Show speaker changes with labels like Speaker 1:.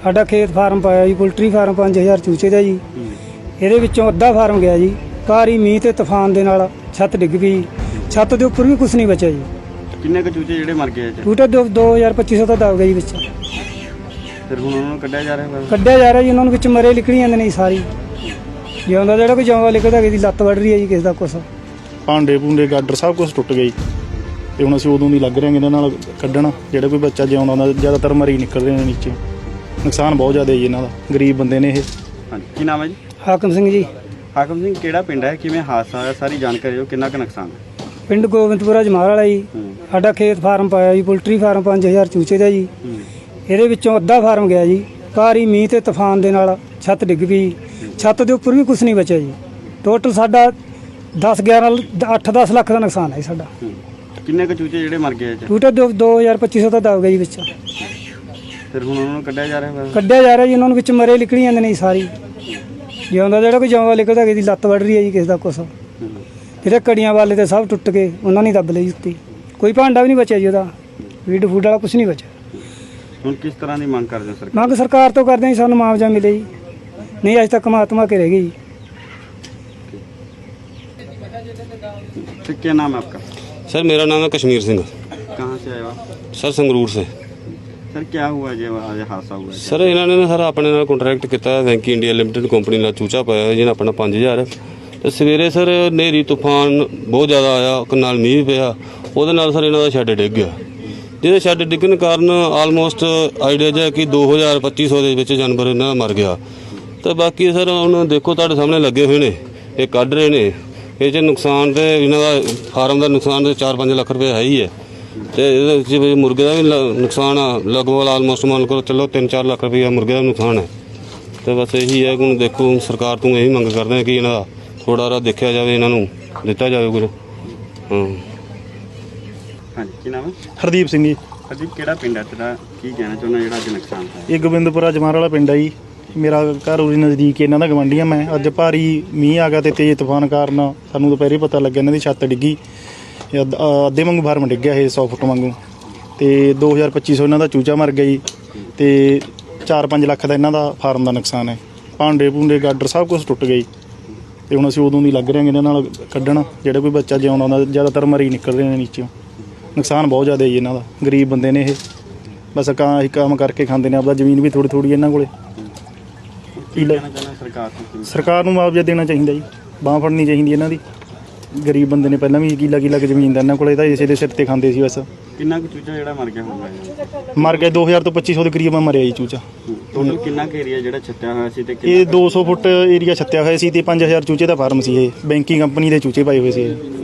Speaker 1: ਸਾਡਾ ਖੇਤ ਫਾਰਮ ਪਾਇਆ ਜੀ, ਪੋਲਟਰੀ ਫਾਰਮ 5000 ਚੂਚੇ ਦਾ ਜੀ। ਇਹਦੇ ਵਿੱਚੋਂ ਅੱਧਾ ਫਾਰਮ ਗਿਆ ਜੀ। ਭਾਰੀ ਮੀਂਹ ਤੇ ਤੂਫਾਨ ਦੇ ਨਾਲ ਛੱਤ ਡਿੱਗ ਪਈ। ਛੱਤ ਦੇ ਉੱਪਰ ਵੀ ਕੁਝ ਨਹੀਂ ਬਚਿਆ ਜੀ।
Speaker 2: ਕਿੰਨੇ ਕੁ ਚੂਚੇ ਜਿਹੜੇ ਮਰ ਗਏ?
Speaker 1: ਟੂਟਾ 2250 ਤਾਂ ਦਬ ਗਿਆ ਜੀ ਵਿੱਚ।
Speaker 2: ਫਿਰ ਹੁਣ ਉਹਨਾਂ ਨੂੰ ਕੱਢਿਆ ਜਾ ਰਿਹਾ?
Speaker 1: ਕੱਢਿਆ ਜਾ ਰਿਹਾ ਜੀ, ਉਹਨਾਂ ਨੂੰ ਵਿੱਚ ਮਰੇ ਨਿਕਲੀ ਜਾਂਦੇ ਨੇ ਜੀ ਸਾਰੀ। ਜਿਉਂਦਾ ਜਿਹੜਾ ਕੋਈ ਜਿਉਂਦਾ ਲਿਖਦਾ, ਕਿਸੇ ਦੀ ਲੱਤ ਵੱਢ ਰਹੀ ਹੈ ਜੀ, ਕਿਸੇ ਦਾ ਕੁਛ।
Speaker 3: ਭਾਂਡੇ ਭੂੰਡੇ ਗਾਡਰ ਸਭ ਕੁਝ ਟੁੱਟ ਗਈ ਤੇ ਹੁਣ ਅਸੀਂ ਉਦੋਂ ਦੀ ਲੱਗ ਰਹੇ ਹਾਂ ਇਹਨਾਂ ਨਾਲ ਕੱਢਣ। ਜਿਹੜਾ ਕੋਈ ਬੱਚਾ ਜਿਉਂਦਾ ਹੁੰਦਾ, ਜ਼ਿਆਦਾਤਰ ਮਰੀ ਨਿਕਲ ਰਹੇ ਨੇ ਨੀਚੇ। ਨੁਕਸਾਨ ਬਹੁਤ ਜ਼ਿਆਦਾ ਜੀ ਇਹਨਾਂ ਦਾ, ਗਰੀਬ ਬੰਦੇ ਨੇ ਇਹ।
Speaker 2: ਹਾਂਜੀ, ਕੀ ਨਾਮ ਹੈ ਜੀ?
Speaker 1: ਹਾਕਮ ਸਿੰਘ ਜੀ।
Speaker 2: ਹਾਕਮ ਸਿੰਘ, ਕਿਹੜਾ ਪਿੰਡ ਹੈ, ਕਿਵੇਂ ਹਾਦਸਾ ਹੋਇਆ, ਸਾਰੀ ਜਾਣਕਾਰੀ ਦਿਓ। ਕਿੰਨਾ ਕੁ ਨੁਕਸਾਨ ਹੈ?
Speaker 1: ਪਿੰਡ ਗੋਬਿੰਦਪੁਰਾ ਜਮਾਲ ਵਾਲਾ ਜੀ। ਸਾਡਾ ਖੇਤ ਫਾਰਮ ਪਾਇਆ ਜੀ, ਪੋਲਟਰੀ ਫਾਰਮ 5000 ਚੂਚੇ ਦਾ ਜੀ। ਇਹਦੇ ਵਿੱਚੋਂ ਅੱਧਾ ਫਾਰਮ ਗਿਆ ਜੀ। ਭਾਰੀ ਮੀਂਹ ਤੇ ਤੂਫਾਨ ਦੇ ਨਾਲ ਛੱਤ ਡਿੱਗ ਪਈ। ਛੱਤ ਦੇ ਉੱਪਰ ਵੀ ਕੁਝ ਨਹੀਂ ਬਚਿਆ ਜੀ। ਟੋਟਲ ਸਾਡਾ 8-10 ਲੱਖ ਦਾ ਨੁਕਸਾਨ ਹੈ ਸਾਡਾ।
Speaker 2: ਕਿੰਨੇ ਕੁ ਚੂਚੇ ਜਿਹੜੇ ਮਰ ਗਏ?
Speaker 1: ਟੂਟਾ 2250 ਤਾਂ ਦਬ ਗਿਆ ਜੀ ਵਿੱਚ।
Speaker 2: ਫਿਰ ਹੁਣ ਉਹਨਾਂ ਨੂੰ ਕੱਢਿਆ ਜਾ ਰਿਹਾ?
Speaker 1: ਕੱਢਿਆ ਜਾ ਰਿਹਾ ਜੀ, ਉਹਨਾਂ ਨੂੰ ਵਿੱਚ ਮਰੇ ਨਿਕਲੀ ਜਾਂਦੇ ਨੇ ਜੀ ਸਾਰੀ। ਜਿਉਂਦਾ ਜਿਹੜਾ ਕੋਈ ਜਿਉਂਦਾ ਲਿਖਦਾ, ਕਿਸੇ ਦੀ ਲੱਤ ਵੱਢ ਰਹੀ ਹੈ ਜੀ, ਕਿਸੇ ਦਾ ਕੁਛ। ਜਿਹੜੇ ਕੜੀਆਂ ਵਾਲੇ ਤੇ ਸਭ ਟੁੱਟ ਕੇ ਉਹਨਾਂ ਨੇ ਦੱਬ ਲਈ ਉੱਤੇ। ਕੋਈ ਭਾਂਡਾ ਵੀ ਨਹੀਂ ਬਚਿਆ ਜੀ ਉਹਦਾ, ਫੀਡ ਫੂਡ ਵਾਲਾ ਕੁਝ ਨਹੀਂ ਬਚਿਆ।
Speaker 2: ਹੁਣ ਕਿਸ ਤਰ੍ਹਾਂ ਦੀ ਮੰਗ ਕਰਦੇ ਹੋ ਸਰਕਾਰ?
Speaker 1: ਮੰਗ ਸਰਕਾਰ ਤੋਂ ਕਰਦੇ ਹਾਂ ਜੀ, ਸਾਨੂੰ ਮੁਆਵਜ਼ਾ ਮਿਲੇ ਜੀ। ਨਹੀਂ ਅੱਜ ਤੱਕ ਮਾਤਮਾ ਕੇ ਰਹਿ ਗਈ ਜੀ।
Speaker 2: क्या नाम है आपका?
Speaker 4: सर मेरा नाम है कश्मीर सिंह।
Speaker 2: कहाँ से आए हो आप?
Speaker 4: सर संगरूर से।
Speaker 2: सर क्या हुआ जो आज हादसा हुआ?
Speaker 4: सर इन्होंने ना सर अपने नाल कॉन्ट्रैक्ट किया वैंकी इंडिया लिमिटेड कंपनी नाल चूचा पाया जिन्हें अपना 5000। तो सवेरे सर नेरी तूफान बहुत ज़्यादा आया, नाल मीह पिया, वो सर इन्हों का शैड डिग गया। जिहदे शैड डिगन कारण आलमोस्ट आइडिया जो कि 2200-2500 के जानवर इन्हों मर गया। तो बाकी सर हम देखो तुहाडे सामने लगे हुए ने, ये कढ़ रहे ने। ये नुकसान तो इन्हों का फार्म का नुकसान तो 4-5 लाख रुपये है ही है। तो मुर्गे का भी नुकसान आ लगभग आलमोस्ट मान लो चलो 3-4 लाख रुपया मुर्गे का नुकसान है। तो बस यही है कि देखो सरकार तो यही मंग करते हैं कि इन्हों थोड़ा रहा देखा जाए, इन्हों दिता जाए कुछ।
Speaker 2: हाँ जी, की नाम है?
Speaker 3: ਹਰਦੀਪ ਸਿੰਘ ਜੀ।
Speaker 2: हरदीप, ਕਿਹੜਾ ਪਿੰਡ ਹੈ ਤੇਰਾ? ਕੀ ਕਹਿਣਾ ਚਾਹੁੰਦਾ ਜਿਹੜਾ ਅੱਜ ਨੁਕਸਾਨ ਹੋਇਆ?
Speaker 3: ਇਹ ਗੋਬਿੰਦਪੁਰਾ ਜਮਾਲ ਵਾਲਾ ਪਿੰਡ ਆ ਜੀ। ਮੇਰਾ ਘਰ ਉਰੀ ਨਜ਼ਦੀਕ ਇਹਨਾਂ ਦਾ ਗਵਾਂਢੀ ਆ ਮੈਂ। ਅੱਜ ਭਾਰੀ ਮੀਂਹ ਆ ਗਿਆ ਤੇ ਤੇਜ਼ ਤੂਫਾਨ ਕਾਰਨ ਸਾਨੂੰ ਦੁਪਹਿਰੇ ਪਤਾ ਲੱਗਿਆ ਇਹਨਾਂ ਦੀ ਛੱਤ ਡਿੱਗੀ। ਅੱਧੇ ਵਾਂਗੂ ਫਾਰਮ ਡਿੱਗਿਆ ਇਹ 100 ਫੁੱਟ ਵਾਂਗੂ। ਤੇ 2250 ਇਹਨਾਂ ਦਾ ਚੂਚਾ ਮਰ ਗਿਆ ਜੀ। ਤੇ 4-5 ਲੱਖ ਦਾ ਇਹਨਾਂ ਦਾ ਫਾਰਮ ਦਾ ਨੁਕਸਾਨ ਹੈ। ਭਾਂਡੇ ਭੂੰਡੇ ਗਾਡਰ ਸਭ ਕੁਝ ਟੁੱਟ ਗਈ ਤੇ ਹੁਣ ਅਸੀਂ ਉਦੋਂ ਦੀ ਲੱਗ ਰਹੇ ਹਾਂ ਇਹਨਾਂ ਨਾਲ ਕੱਢਣ। ਜਿਹੜਾ ਕੋਈ ਬੱਚਾ ਜਿਉਂਦਾ ਹੁੰਦਾ, ਜ਼ਿਆਦਾਤਰ ਮਰੀ ਨਿਕਲ ਰਹੇ ਨੇ ਨੀਚੇ। ਨੁਕਸਾਨ ਬਹੁਤ ਜ਼ਿਆਦਾ ਜੀ ਇਹਨਾਂ ਦਾ, ਗਰੀਬ ਬੰਦੇ ਨੇ ਇਹ। ਬਸ ਕੰਮ ਕਰਕੇ ਖਾਂਦੇ ਨੇ, ਆਪਦਾ ਜ਼ਮੀਨ ਵੀ ਥੋੜ੍ਹੀ ਥੋੜ੍ਹੀ ਇਹਨਾਂ ਕੋਲੇ। ਸਰਕਾਰ ਨੂੰ ਮੁਆਵਜ਼ਾ ਦੇਣਾ ਚਾਹੀਦਾ ਜੀ, ਬਾਂਹ ਫੜਨੀ ਚਾਹੀਦੀ ਇਹਨਾਂ ਦੀ। ਗਰੀਬ ਬੰਦੇ ਨੇ, ਪਹਿਲਾਂ ਵੀ ਕਿੱਲਾ ਜ਼ਮੀਨ ਦਾ ਇਹਨਾਂ ਕੋਲੇ, ਤਾਂ ਇਸੇ ਦੇ ਸਿਰ ਤੇ ਖਾਂਦੇ ਸੀ ਬਸ।
Speaker 2: ਕਿੰਨਾ ਕੁ ਚੂਚਾ ਜਿਹੜਾ ਮਰ ਗਿਆ ਹੋਊਗਾ?
Speaker 3: ਮਰ ਗਿਆ 2000 ਤੋਂ 2500 ਦੇ ਕਰੀਬ ਮਰਿਆ ਜੀ ਚੂਚਾ।
Speaker 2: ਟੋਟਲ ਕਿੰਨਾ ਕੁ ਏਰੀਆ ਜਿਹੜਾ ਛੱਤਿਆ ਹੋਇਆ ਸੀ? ਤੇ
Speaker 3: ਇਹ 200 ਫੁੱਟ ਏਰੀਆ ਛੱਤਿਆ ਹੋਇਆ ਸੀ ਤੇ 5000 ਚੂਚੇ ਦਾ ਫਾਰਮ ਸੀ। ਇਹ ਬੈਂਕਿੰਗ ਕੰਪਨੀ ਦੇ ਚੂਚੇ ਪਾਏ ਹੋਏ ਸੀ।